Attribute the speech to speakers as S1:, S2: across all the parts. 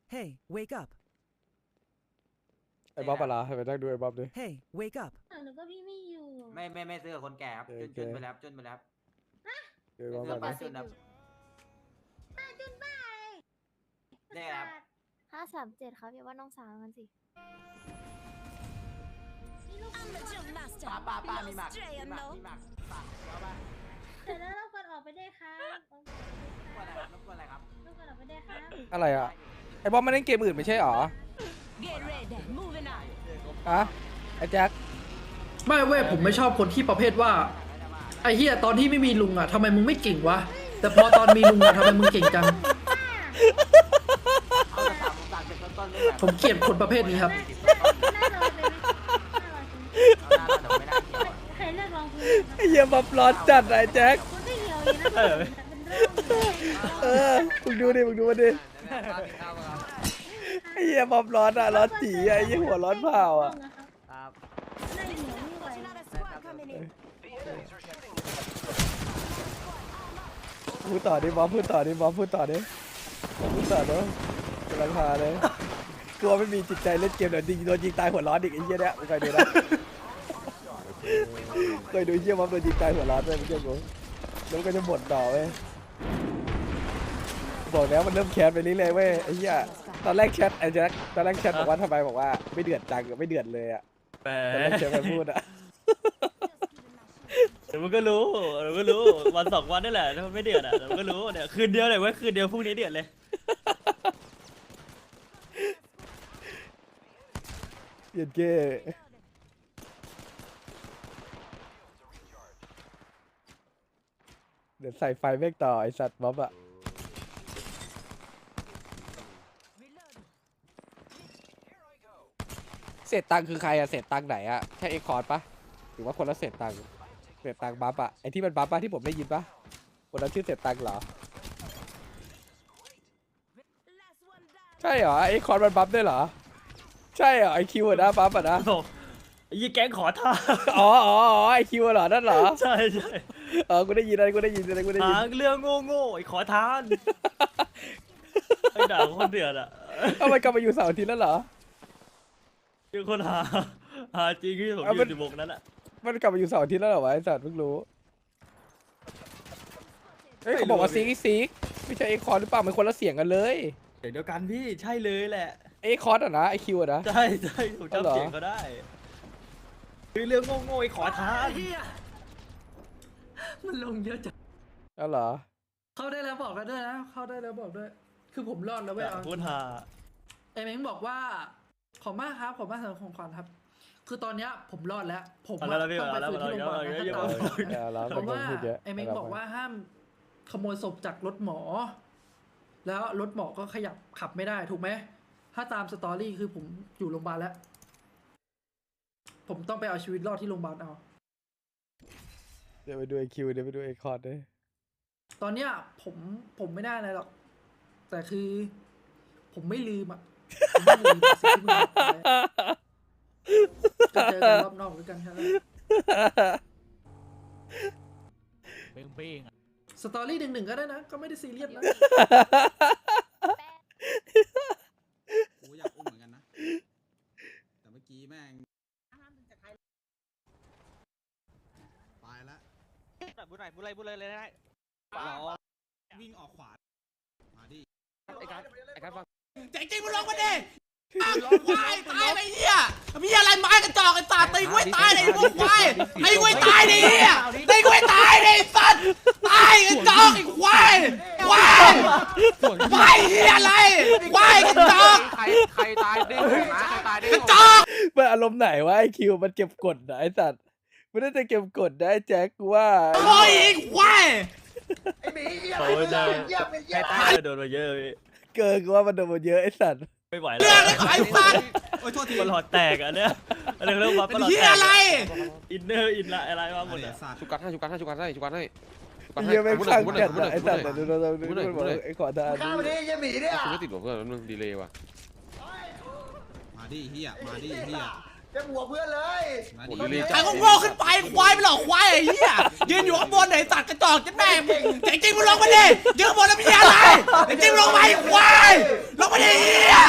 S1: Hey, wake up.
S2: ไอ้บ๊อบอะไรให้ไปนั่งดูไอ้บ๊อบดิ
S1: Hey, wake up.
S3: หนูก็พี่ไม่อยู่
S4: ไม่ซื้อกับคนแก่ครับจนไปแล้วจนไปแล้ว
S2: ดูไอ้บ๊อบ
S4: ซื้อ
S2: ก่อน
S4: บั
S2: ดิ
S4: ตรจนครับได้ครับ
S5: 537ครับอย่าว่าน้องสาวกันสิ
S4: ป้ามีหมักฝากเอาป่ะ
S3: เสร็จแล้วเรากดออกไปได้ครับ
S4: รบกวนอะไรครับ
S3: เรากดออกไปได้ครับ
S2: อะไรอ่ะไอ้บ๊อบมาเล่นเกมอื่นไม่ใช่หรอ
S6: Get ready, moving out.
S2: อะไอ้แจ็ค
S7: ไม่เว้ยผมไม่ชอบคนที่ประเภทว่าไอ้เฮียตอนที่ไม่มีลุงอ่ะทำไมมึงไม่เก่งวะแต่พอตอนมีลุงอ่ะทำไมมึงเก่งจัง
S4: เอาแต่ฝากเป็นต้นๆด้วยแบบ
S7: ผมเกลียดคนประเภทนี้ครับ
S3: น่ารอเลยไหมน่ารอจริง
S4: เอาหน้าเดี๋ยวไม่น่าเกี่ยว
S3: ใครเลือกรองพื้น
S2: ไอ้เหี้ยบ๊อบร้อนจัดไอ้แจ็ค
S3: คุณไม่เหี่ยวเลยนะเป็นเรื่องเลย
S2: มึงดูดิมึงดูมันดิไอ้เหี้ยบ๊อบร้อนอ่ะร้อนจีอ่ะไอ้เหี้ยหัวร้อนเผาอ่ะ
S4: ครับ
S3: น่าเหี่ยวไม่ไหว
S6: Another squad coming in.
S2: พูดต่อดิบ๊อบพูดต่อดิบ๊อบพูดต่อดิพูดต่อเนาะกำลังพาเลยกลัวไม่มีจิตใจเล่นเกมเดี๋ยวโดนยิงตายหัวร้อนอีกไอ้เหี้ยเนี่ยมึงเคยดูนะเคยดูไอ้เหี้ยบ๊อบโดนยิงตายหัวร้อนด้วยมึงเชื่อกูแล้วก็จะบ่นต่อเว้ยบอกแล้วมันเริ่มแคสไปเรื่อยๆเว้ยไอ้เหี้ยตอนแรกแชทไอ้แจ็คตอนแรกแชทบอกว่าทำไมบอกว่าไม่เดือดจังไม่เดือดเลยอ่ะตอนแรกแชทมันพูดอ่ะ
S8: เดี๋ยวมันก็รู้วันสองวันนี่แหละถ้ามันไม่เดือดอ่ะเดี๋ยวมันก็รู้เนี่ยคืนเดียวเลยเว้ยคืนเดียวพรุ่งนี้เดือดเลย
S2: เย็นเก้เดี๋ยวใส่ไฟแม่งต่อไอสัตว์บ๊อบอะเศษตังค์คือใครอะเศษตังค์ไหนอะแค่เอ็กคอร์ดปะหรือว่าคนละเศษตังค์เศษตังค์บัฟอะไอที่มันบัฟปะที่ผมได้ยินปะคนละชื่อเศษตังค์เหรอ ใช่เหรอไอคอร์ดมันบัฟด้วยเหรอใช่เหรอไอคิวอะนะบัฟอะนะ
S8: โอ้ไอ้ยี่แก๊งขอทาน
S2: อ๋อไอคิวเหรอนั่นเหรอ
S8: ใช่
S2: กูได้ยินอะไรกูได้ยิน
S8: หาเรื่องโง่ไอ้ขอทานไอ้ด่าคนเดือดอ่ะ
S2: เอามันกลับมาอยู่เสาร์อาทิตย์แล้วเหรอ
S8: คือคนหาจริงที่ผม
S2: เอา
S8: อ
S2: มัน
S8: ยู่ในวงนั้นอ่ะ
S2: มันกลับมาอยู่เสาร์อาทิตย์แล้วเหรอวะไอสัตว์เพิ่งรู้เฮ้ยเขาบอกว่าซีกไม่ใช่ไอคอร์หรือเปล่ามันคนละเสียงกันเลย
S8: เดี๋ยวกันพี่ใช่เลยแหละ
S2: ไอคอร์อะนะไอคิวอะนะ
S8: ใช่ผมจำเสียงเขาได้คือเรื่องโง่ไอ้ขอทาน
S7: มันลงเยอะจัง
S2: เอาเหรอ
S7: เข้าได้แล้วบอกกันด้วยนะเข้าได้แล้วบอกด้วย คือผมรอดแล้วเว้ยเอา
S8: พูดหา
S7: ไอ้เม้งบอกว่าขอบมากครับขอบมากสำหรับของขวัญครับ คือตอนเนี้ยผมรอดแล้ว ผมอะต้องไปฟื้นที่โรงพยาบาลนะถ้าตายเพราะว่าไอ้เม้งบอกว่าห้ามขโมยศพจากรถหมอ แล้วรถหมอก็ขยับขับไม่ได้ถูกไหมถ้าตามสตอรี่คือผมอยู่โรงพยาบาลแล้ว ผมต้องไปเอาชีวิตรอดที่โรงพยาบาลเอา
S2: เดี๋ยวไปดูไอคิวเดี๋ยวไปดูไอคอร์ด้วย
S7: ตอนเนี้ยผมไม่ได้อะไรหรอก แต่คือ ผมไม่ลืมอ่ะผมไม่ลืมสิ่งที่มึงทำไปก็เจอกันรอบนอกด้วยกันแค่นั้นสตอรี่หนึ่งก็ได้นะ ก็ไม่ได้ซีเรียสนะ
S9: กูอยากอุ้มเหมือนกันนะ แต่เมื่อกี้แม่งตายแล้ว
S8: บุญเลยเลยได้
S9: วิ่งออกขวา มาดิ
S2: ไอการฟัง
S9: จริงๆมึงลงมาดิควายตายไปเหี้ยมีอะไรไม้กระจอกไอ้สัตว์ตีกุ้ยตายเลยพวกควายตีกุ้ยตายดิเหี้ยตีกุ้ยตายดิสัตว์ตายกระจอกไอ้ควายควายเหี้ยอะไรควายกระจอก
S4: ใครตายดิ้งนะใครตายดิ้ง
S9: กระจอก
S2: มันอารมณ์ไหนวะไอคิวมันเก็บกดนะไอสัตว์มันน่าจะเก็บกดนะไอแจ็คกูว่า
S9: โอ้ยไอ้ควาย
S8: โอ้ยได้ใครตายโดนมาเยอะพี่
S2: เกินกูว่ามันโดนมาเยอะไอสัตว์
S8: ไม่ไหว
S9: เรื่อง
S8: แล้ว
S9: ไอ้สัตว์โอ้ยโทษที
S8: มันหลอดแตกอ่ะเนี่ยอะไรเรื่องว่า
S9: เป็น
S8: หลอด
S9: เหี้ย
S8: แตก
S9: อะไร
S8: อินเนอร์อินอะไรมาหมดอ่ะ
S9: สัตว์
S10: ชุกัดให้
S2: เหี้ยไม่งข้างจัดอะไอสัตว์ดูไอขอทาน
S10: คุณไม่ติดหรอเพื่อนมันดีเลยว่ะ
S9: มาดิเหี้ยมาดิเหี้ย
S10: โอ้ดีเลย
S9: ใครก็โง่ขึ้นไปควายไปหรอกควายไอ้เหี้ยยืนอยู่ข้างบนไหนสัตว์กระจอกจะแม่งจริงๆมึงลงมาดิยืนบนแล้วมีอะไรจริงๆลงมาไอ้ควายลงมาดิเหี้ย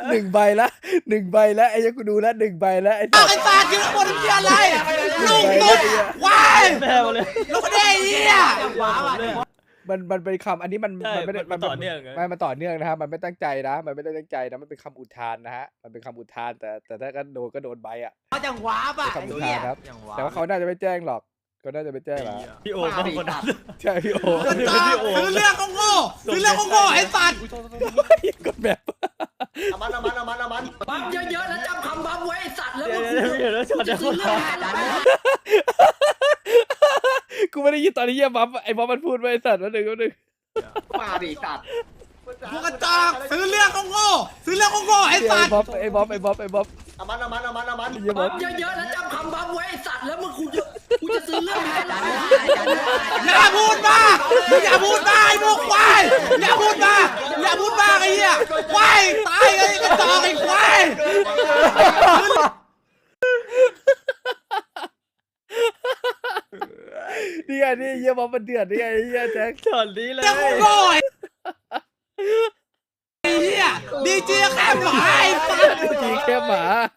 S2: 1 ใบละ1 ใบละไอ้เหี้ยกูดูแล้ว1 ใบแล้วไอ้สั
S9: ไอ้
S2: ส
S9: สัตว์ยืนบนเหี้ยอะไรลูกตุ๊ดควาย
S8: แมวเลย
S9: ลูกเด้เหี้ย
S2: มันเป็นคำอันนี้มัน
S8: ใช่
S2: ไม่ได้
S8: มันต่อเนื่องไง
S2: มันต่อเนื่องนะครับมันไม่ตั้งใจนะมันไม่ได้ตั้งใจนะมันเป็นคำอุทานนะฮะมันเป็นคำอุทานแต่ถ้าก็โดนใบอ่ะ
S9: เขาจังหวาป่ะ
S2: เป็นคำอุทานครับแต่ว่าเขาน่าจะไม่แจ้งหรอกเขาน่าจะไม่แจ้งหรอก
S8: พี่โอมากคนนั้น
S2: ใช่พี่โอ
S9: ซื้อเรื่องของโง่ซื้อเรื่องของโง่ไอ้สัตว์
S2: กดแบบ
S10: เอามัน
S7: บัฟเยอะๆแล้วจำคำบัฟไว้ไอ้สัตว์แล้ว
S8: เดี๋
S7: มึ
S8: ยว
S7: ง
S8: เดี๋ยวเดี๋ยวช็อตเดี๋ยว
S7: ซื้อเรื่องอะไร
S2: กูไม่ได้ยินตอนที่เหี้ยบ๊อบไอ้บ๊อบมันพูดไว้ไอ้สัตว์วันหนึ่ง
S10: มาดิสัตว์
S9: พวกกระจอกซื้อเรื่องของโง่ซื้อเรื่องของโง่ไอ้สัตว์
S2: ไอ้บ๊อบ
S10: เอามัน
S2: เหี้ยบ๊
S7: บั
S2: อบ
S7: ฟเยอะๆแล้วจำคำบัฟไว้ไอ้สัตว์แล้วมึงกูจะซื้อเรื่องอะไร
S9: อย่าพูดมากอย่าพูดมากไอ้พวกควายอย่าพูดมากอย่าพูดมากไอ้เหี้ยควายตายไอ้กระจอกไอ้ควาย
S2: นี่ไงนี่เหี้ยบ๊อบมันเดือดนี่ไงเหี้ยแจ็ค
S8: ช็อตนี้เลย
S9: เรื่องของโง่ไอ้เหี้ยดีเจแค่หมาไอ้สัตว์
S2: จีแค่หมา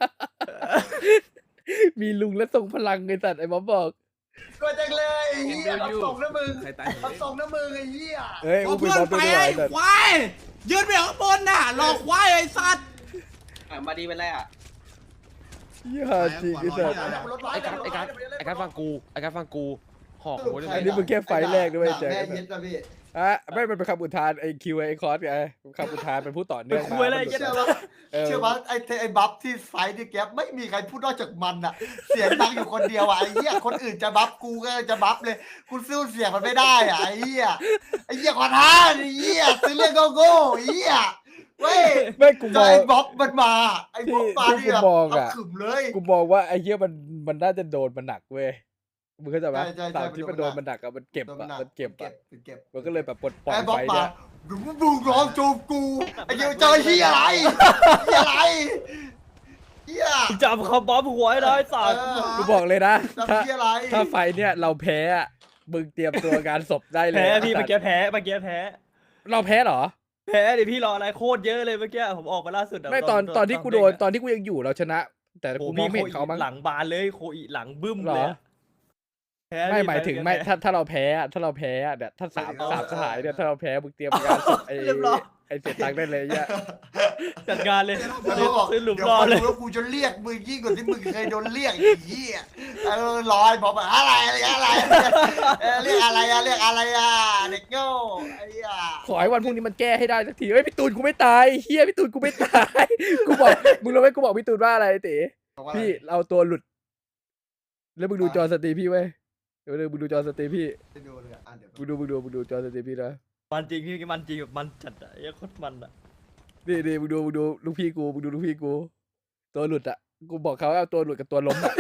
S2: มีลุงและทรงพลังไอ้สัตว์ไอ้บ๊อบบอก
S10: ก็จังเลยไอ้เหี้ยรับส่งนะมึงรับส่งนะมึงไอ้เหี้ย
S2: เฮ้ย
S9: เอา
S2: อุ้มไป
S9: เพื่อน
S2: บ๊อบ
S9: ไป
S2: ด้วย
S9: ไอ้
S2: ไอ้สัตว์
S9: ควายยืนไปข้างบนน่ะหลอกควายไอ้สัตว์
S10: มาดีเป็นไรอ่ะ
S2: เหี้ยจริงไอ้สัตว์
S10: ไอ้การฟังกูหอกหัว
S2: อันนี้มึงแค่ไฟล์แรกด้วยแจ็ค
S10: แม่ยึดนะพี่
S2: อ่ะไม่มันเป็นคำอุทานไอ้คิวไอ้คอร์สไงคำอุทานเป็นผู้ต่อเนื่องมา
S10: เชื่อว่าไอ้บัฟที่ไฟที่แก๊ปไม่มีใครพูดนอกจากมันอ่ะเสียงดังอยู่คนเดียวอ่ะไอ้เหี้ยคนอื่นจะบัฟกูก็จะบัฟเลยกูสู้เสียงมันไม่ได้อ่ะไอ้เหี้ยขอท้าไอ้เหี้ยซื้อเรื่องโง่ไอ้เหี้ยเว้ย
S2: ไม่กูม
S10: ไอ้
S2: อง
S10: บ๊อบมันมาไอ้บ๊อบมา
S2: ที่
S10: เนี่ย
S2: กูมองอะ
S10: เอาขึมเลย
S2: กูมองว่าไอ้เหี้ยมันน่าจะโดนมันหนักเว้ยมึงเข้าใจไหม
S10: ใช่
S2: ตามที่มันโดนมันหนักอะมันเก็บอะมันเก็บอะมันก็เลยแบบปลดปล่อย
S10: ไอ้บ๊อบ
S2: ไฟ
S10: มา
S2: เนี่ย
S10: ดูร้องจูบกูไอ้เหี้ยเจอเหี้ยอะไรเหี้ยอะไรเหี้ย
S8: จำคำบ๊อบหัวให้ได้สัตว์
S2: กูบอกเลยนะ
S10: จำ
S2: ถ้า
S10: เหี้ยอะไร
S2: ถ้าไฟเนี่ยเราแพ้อะมึงเตรียมตัวงานศพได้เลย
S8: แพ้พี่เมื่อกี้แพ้เมื่อกี้แพ้
S2: เราแพ้เหรอ
S8: แพ้ดิพี่รออะไรโคตรเยอะเลยเมื่อกี้ผมออกมาล่าสุดะ
S2: ไม่ตอนที่กูโดนตอนที่กูยังอยู่เราชนะ แต่
S8: โอ้
S2: กู
S8: โห
S2: มอง
S8: พี่
S2: ไม่เห็นเขามั้ง
S8: หลังบานเลยโคอีหลังบึ้ม
S2: เหร
S8: เลย
S2: อ
S8: อะแพ้
S2: ไม่
S8: ดิ
S2: หมายถึง
S8: แพ้
S2: ไม่ถ้าเราแพ้อะถ้าเราแพ้อะเนี่ยถ้าสามสหายเนี่ยถ้าเราแพ้มึงเตรียมงานศพไอ้
S8: เรียบร้อย
S2: ไอ้เสียตังค์ได้เลยเนี่ย
S8: จัดงานเลย
S10: เดี๋ยวบอก
S8: ซื้อหลุม
S10: เดี๋ยว
S8: รอ
S10: พอ
S8: เล
S10: ดู
S8: ย
S10: แล้วกูจะเรียกมึงยิ่งกว่าที่มึงเคยโดนเรียกไอ้เหี้ยลอยบอกว่าอะไรเรียกอะไรอะเรียกอะไรอะเด็กโง่ไอ้เหี้ย
S2: ขอให้วันพรุ่งนี้มันแก้ให้ได้สักทีเฮ้ยพี่ตูนกูไม่ตายเฮียพี่ตูนกูไม่ตาย กูบอกมึงรู้ไหมกูบอกพี่ตูนว่าอะไรเต๋พี่เราตัวหลุด แล้วมึงดูจอสตรีพี่เว้ยเดี๋ยวมึงดูจอสตรีพี่
S10: ไปดูเลยอ่ะเดี๋ยว
S2: มึงดูจอสตรีพี่นะ
S8: มันจริงพี่มันจริงแบบมันจัดอะไอ้โคตรมันอะ
S2: นี่มึงดูลูกพี่กูมึงดูลูกพี่กู ตัวหลุดอ่ะกูบอกเขาเอาตัวหลุดกับตัวล้มอ่ะ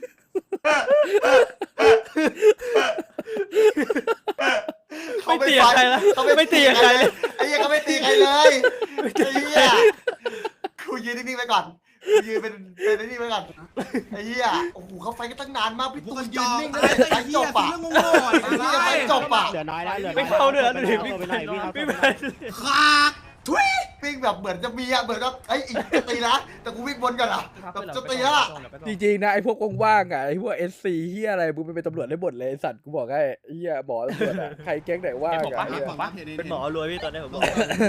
S8: ไม่ตีกับใครละไม่ตีกับใครเลย
S10: ไอ้เหี้ยเขาไม่ตีใครเลยไอ้เหี้ยกูยืนนิ่งๆไปก่อนกูยืนเป็นไอ้นี่ไปก่อนไอ้เหี้ยโอ้โหเขาไฟกันตั้งนานมากพี่
S9: พว
S10: ตู
S9: กก
S10: น
S9: ระจ
S10: ยืน
S9: อก
S10: นิ่ง
S9: ตา
S10: เลย ย
S9: ไอ้
S10: ไฟ
S9: เหี้
S10: จ
S9: ย
S10: บ
S9: ซื้อ
S10: อ่ะ
S9: เรื่องโง่ๆไอ้
S10: ไอ้เหี้ยไฟ
S9: ควาย
S10: จบอ่ะ
S3: เหลือน้อยแล้วเหลือน้อย
S8: ไม่เข้าเนื้อเลยพี่
S3: ไปไหนพี่ครับ
S8: ไม่ไป
S9: ขากทุย
S10: วิ่งแบบเหมือนจะมีอะเหมือนว่าไอ้อีกจะตีนะแต่กูวิ่งบนก่อนอ่ะแบบจะตีแล้วอะ
S2: จริงๆนะไอ้พวกว่างๆอ่ะไอ้พวก SC เฮียอะไรมึงเป็นตำรวจได้หมดเลยไอ้สัตว์กูบอกให้เฮียหมอตำรวจอ่ะใครแก๊งไหนว่างอ่ะเหี้ย
S8: เป็นหมอรวยพี่ตอนนี้ผมบอก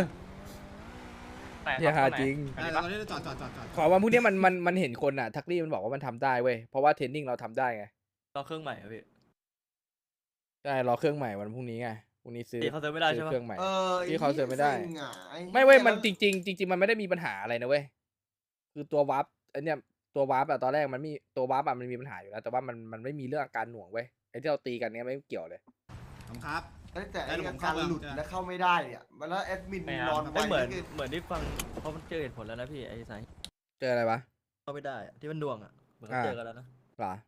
S2: เฮียหาจริง
S9: ตอนนี้จอด
S2: ขอวันพรุ่งนี้มันเห็นคนอ่ะทักลี่มันบอกว่ามันทำได้เว้ยเพราะว่าเทรนนิ่งเราทำได้ไง
S8: รอเครื่องใหม่อะพี่
S2: ใช่รอเครื่องใหม่วันพรุ่งนี้ไงพรุ่งนี้ซื้อ
S8: ตีเขาเติมไม่ได้ใช่
S2: ซื้อ
S8: ปะ
S2: เครื่องใหม่
S10: ไ
S2: ที่เขาเสริมไม่ได้
S10: ซิ่งอะอ้
S2: ไม่เว้ยมันจริงมันไม่ได้มีปัญหาอะไรนะเว้ยคือตัววาร์ปไอเนี่ยตัววาร์ปอะตอนแรกมันมีตัววาร์ปอะมันมีปัญหาอยู่แล้วแต่ว่ามันไม่มีเรื่องอาการหน่วงเว้ยไอที่เราตีกันเนี้ยไม่เกี่ยวเลย
S9: ครับ
S10: แต่ไอ้
S9: แล้วผม
S10: การ
S9: เข้า
S10: หลุด
S9: แล้ว
S10: แล้วเข้าไม่ได้เนี่ยมันแล้วแอดมินนอนไว้
S8: ไม่เหมือน
S10: นี่คือ
S8: เหมือนที่ฟังเพราะมันเจอเหตุผลแล้วนะพี่ไอ้สาย
S2: เจออะไรวะ
S8: เข้าไม่ได้อะที่มันดวงอะเหมือนเขาเจอกันแล้วนะ
S2: หรอ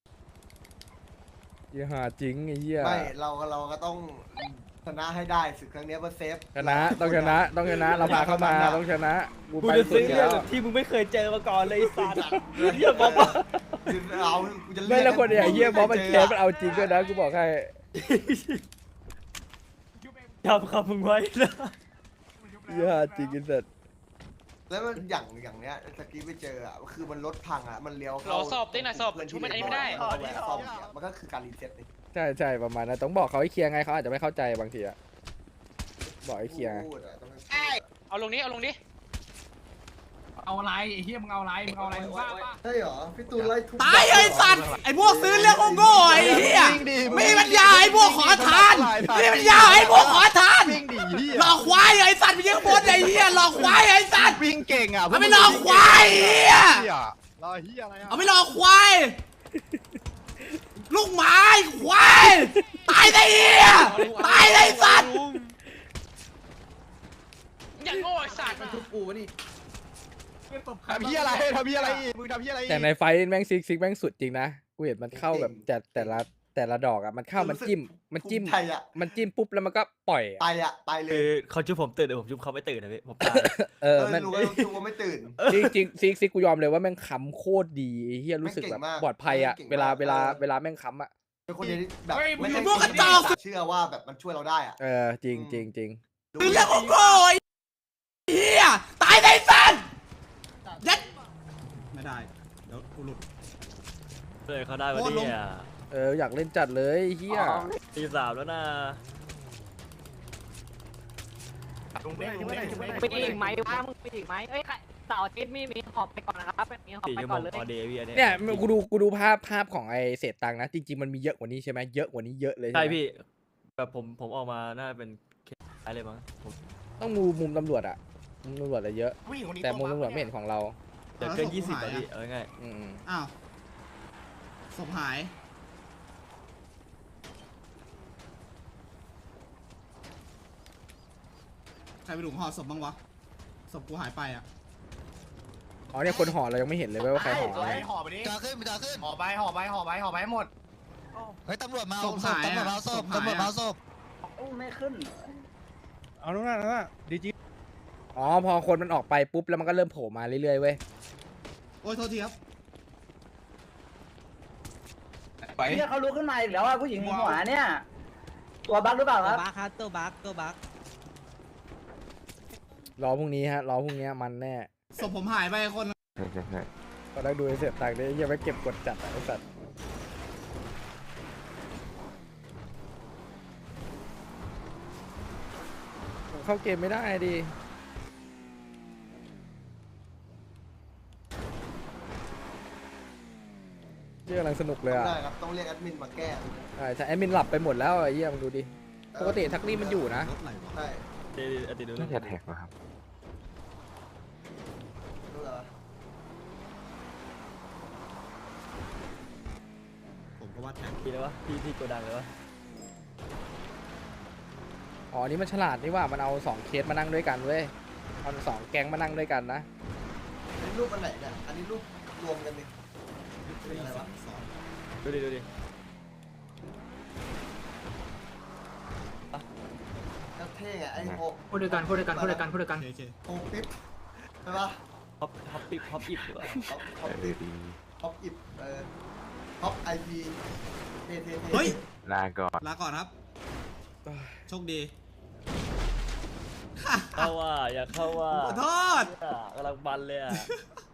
S2: เหี้ยหาจริงไอ้เหี้ย
S10: ไม่เราก็ต้องชนะให้ได้ศึกครั้งเนี้ยเพื่อเซฟ
S2: ชนะต้องชนะเราพาเข้ามาต้องชนะกู
S8: กู
S2: ไป
S8: จะ
S2: สุ
S8: ซื้
S2: ด
S8: อ
S2: แล้ว
S8: ที่มึงไม่เคยเจอมาก่อนเลยไอ้สัตว์เฮียบอกว่า
S10: เอากูจะเรี
S2: ไม่
S10: ยก
S2: แล้วคนเนี่ยไอ้เหี้ยบอสมันแคสมันเอาจริงด้วยนะกูบอกให้
S8: จำคำมึงไว้นะ
S2: เหี้ยหาจริงไอ้สัส
S10: แล้วมันอย่างเนี้ยตะกี้ไปเจออ่ะคือมันรถพังอ่ะมันเลี้ยว
S3: เราสอบได้หน่อยสอบชุบมันอันนี้ไม่ได้
S10: ซ่อมเนี่ยมันก็คือการรีเซ็ตเลย
S2: ใช่ประมาณนั้นต้องบอกเขาให้เคลียร์ไงเขาอาจจะไม่เข้าใจบางทีอะบอกให้เคลียร์
S10: พูดอะต้องให้
S3: เอาลงนี้เอาลงนี้
S9: เอาอะไรไอ้เหี้ยมึงเอาอะไรมึงเอาอะไรมึงบ้าปะ
S10: ใช่เหรอพี่ตูนไล่ทุบ
S9: ตายไอ้สัตว์ไอ้พวกซื้อเรื่องโง่ๆไอ้เหี้ยไม่มีปัญญาไอ้พวกขอทานไม่มีปัญญาไอ้พวกขอทานหลอกควายไอ้สัตว์ไปยิงบนไอ้เหี้ยหลอกควายไอ้สัตว์
S1: วิ่งเก่งอ่ะ
S9: เอาไปหลอกควายไอ้เหี้ย
S1: รอเฮียอะไรอ่ะ
S9: เอาไปหลอกควายลูกหมาไอ้ควายตายไอ้เหี้ยตายไอ้สัตว์
S3: อย่างโง่ไอ้สัตว์
S7: ทุบกูวะนี่
S1: ทำเฮียอะไรทำเฮียอะไรอีกมึงทำเฮียอะไรอีก
S2: แต่ในไฟท์แม่งซิกแม่งสุดจริงนะกูเห็นมันเข้าแบบแต่ละดอกอะมันเข้ามันจิ้ม
S10: ไทยอ่ะ
S2: มันจิ้มปุ๊บแล้วมันก็ปล่อยอะ
S10: ตายเล
S8: คื
S10: ย
S8: อเขาชุบผมตื่นแต่ผมชุบเขาไม่ตื่นนะพี่ผมตาย
S2: มัน
S10: รู้ว่าดูว่าไม่ตื่น
S2: จริงซิกกูยอมเลยว่าแม่งค้ำโคตรดีไอ้เฮียรู้สึกแบบ
S10: แม่งเก่งมาก
S2: ปลอดภัยอะ
S10: แม่ง
S2: เว
S10: เก่ง
S2: ลาม
S10: าก
S2: เวลาแม่งค้ำอะ
S10: เป็นคนเดียวที่แบบ
S9: มึงพวกกระจอก
S10: เชื่อว่าแบบมันช่วยเราได้อ่ะ
S2: จริง
S10: ดู
S9: ซื้อเรื่องโง่ๆไอ้เหี้ยตายไอ้สัตว์ยัดไม่ได้เดี๋ยวกูหลุด
S8: เลยเขาได้วันนี้อ่ะ
S2: อยากเล่นจัดเลยเฮีย
S8: ตีสามแล้วนะ
S1: ไปอีกไหมวะมึงไปอีกไหมเอ้ยเสาร์อาทิตย์มีหอบไปก่อนนะครับมีหอบ
S8: 4
S1: ไป
S8: ชั่วโม
S1: ก่อน
S8: ง
S1: เลย
S8: พอเดย์พี่อันนี้
S2: เนี่ยกูดูภาพของไอเศษตังค์นะ จริง ๆ มันมีเยอะกว่านี้ใช่ไหมเยอะกว่านี้เยอะเลย
S8: ใช่
S2: ไหม
S8: พี่แบบผมออกมาน่าเป็นอะไรบ้างผม
S2: ต้องมุมตำรวจอะมุมตำรวจอะเยอะ แต่มุมตำรวจไม่เห็นของเรา
S8: เดี๋ยวเกิน20อ่ะพี่เอาง่าย
S2: อืม
S9: อ้าวศพหายใครไปดูห่อศพบ้างวะศพกูหายไปอ่ะ
S2: อ๋อเนี่ยคนห่อเรายังไม่เห็นเลยว่าใครห่ออะไร
S1: ห่อไปดิ
S11: จ่าขึ้นจ่าขึ้น
S1: ห่อไปหมด
S11: เฮ้ยตำรวจมา
S9: ศ
S11: เอา
S9: พ
S11: ศพ
S9: หาย
S11: ตำรวจ
S9: อะ
S11: มาเอาศพ
S9: ศพหายอะ
S11: ตำรวจมาเอาศพ
S4: ไม่ขึ้น
S1: เอานู่นน่ะดีจี
S2: อ๋อพอคนมันออกไปปุ๊บแล้วมันก็เริ่มโผล่มาเรื่อยๆเว้ย
S9: โอ้ยโทษทีครับ
S1: ไป
S4: เนี่ยเขาลุกขึ้นมาอีกแล้วอ่ะผู้หญิงหัวเนี่ย ตัวบั๊กหรือเปล่าครับ
S6: บักครับตัวบัก
S2: รอพรุ่งนี้ฮะรอพรุ่งนี้มันแน่
S9: ศพผมหายไปคน
S2: ก็ได้ดูไอ้เศษตังค์เนี่ยยังไม่เก็บกดจัดอะไอ้สัตว์ผมเข้าเกมไม่ได้ดิเรื่องกำลังสนุกเลยอ่ะ
S10: ได้ครับต้องเรียกแอดมินมาแก้
S2: ใช่แอดมินหลับไปหมดแล้วไอ้เหี้ยมึงดูดิ ปกติทักลี่มันอยู่นะ
S10: ใช่
S8: ๆเดย์อติดู
S10: รู้เหรอ
S9: ผมก็ว่าแทง
S8: พี่เลยวะพี่โกดังเลยวะ
S2: อ๋อ นี่มันฉลาดนี่ว่ามันเอา2เคสมานั่งด้วยกันเว้ย เอา2แก๊งมานั่งด้วยกันนะ
S10: อันนี้รูปอันไหนเนี่ยอันนี้รูปรวมกันดิอะไรวะ
S8: ดูดิ
S10: ก็เท่ไงไอ้โฮ
S7: พูดด้วยกัน
S9: โอเค
S10: โฮปิ๊บใช่ปะ
S8: ฮอปอิบดีกว่า
S10: ฮอปอิบฮอปไอพีเท่
S9: เฮ้ย
S11: ลาก่อน
S9: ลาก่อนครับ โชคดี
S8: เข้าว่าอย่าเข้าว่า
S9: ขอโทษ
S8: กำลังบันเลยอ่ะ